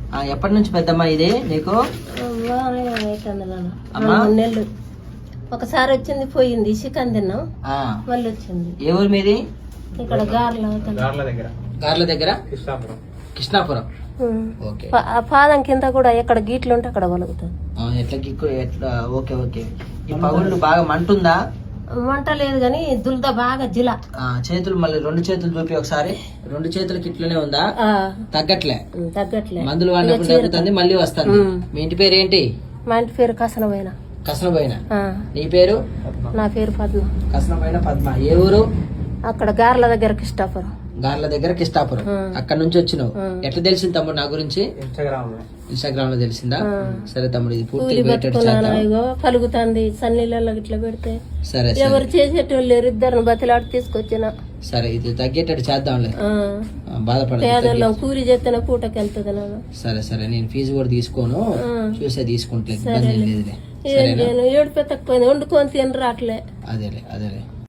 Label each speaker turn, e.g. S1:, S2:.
S1: ఎప్పటి నుంచి పెద్దమ్మ ఇది నీకు?
S2: నెలలు ఒకసారి వచ్చింది పోయింది, చికెన్ తిన్నాం మళ్ళీ వచ్చింది.
S1: ఏ ఊరు మీది?
S2: ఇక్కడ
S1: గార్ల దగ్గర కృష్ణాపురం. ఓకే.
S2: పాదం కింద కూడా ఎక్కడ గీట్లు ఉంటే అక్కడ వలుగుతుంది.
S1: ఎట్లా ఓకే ఓకే. ఈ పగుళ్ళు బాగా మంటుందా?
S2: మంట లేదు కానీ దుల్ద బాగా జిల.
S1: చేతులు మళ్ళీ 2 చేతులు చూపి ఒకసారి. 2 చేతులకి ఇట్లనే ఉందా? తగ్గట్లే. మందులు వాడినప్పుడు తగ్గుతుంది, మళ్ళీ వస్తుంది. మీ ఇంటి పేరు ఏంటి?
S2: మా ఇంటి పేరు కసనబోయిన.
S1: కసనబోయిన. నీ పేరు?
S2: నా పేరు పద్మ.
S1: కసనబోయిన పద్మ. ఏ ఊరు?
S2: అక్కడ గార్ల దగ్గర కృష్ణాపురం.
S1: గార్ల దగ్గర కృష్ణాపురం. అక్కడ నుంచి వచ్చినావు. ఎట్లా తెలిసింది తమ్ముడు నా గురించి? ఇన్స్టాగ్రామ్ లో తెలిసిందా? సరే తమ్ముడు, ఇది పూర్తి
S2: కలుగుతుంది సన్నీళ్ళలో ఇట్లా పెడితే.
S1: సరే
S2: ఎవరు చేసేటోళ్ళు లేరు, ఇద్దరు బతిలాడి తీసుకొచ్చిన.
S1: సరే ఇది తగ్గేటట్టు చేద్దాంలే, బాధపడ.
S2: పేదోళ్ళం కూలి చేస్తేనే పూటకి వెళ్తుంది.
S1: సరే సరే, నేను ఫీజు కూడా తీసుకోను, చూసే తీసుకుంటే
S2: నేను ఏడు పెత్తకపోయింది, వండుకొని తిని రాట్లే.
S1: అదేలే అదేలే.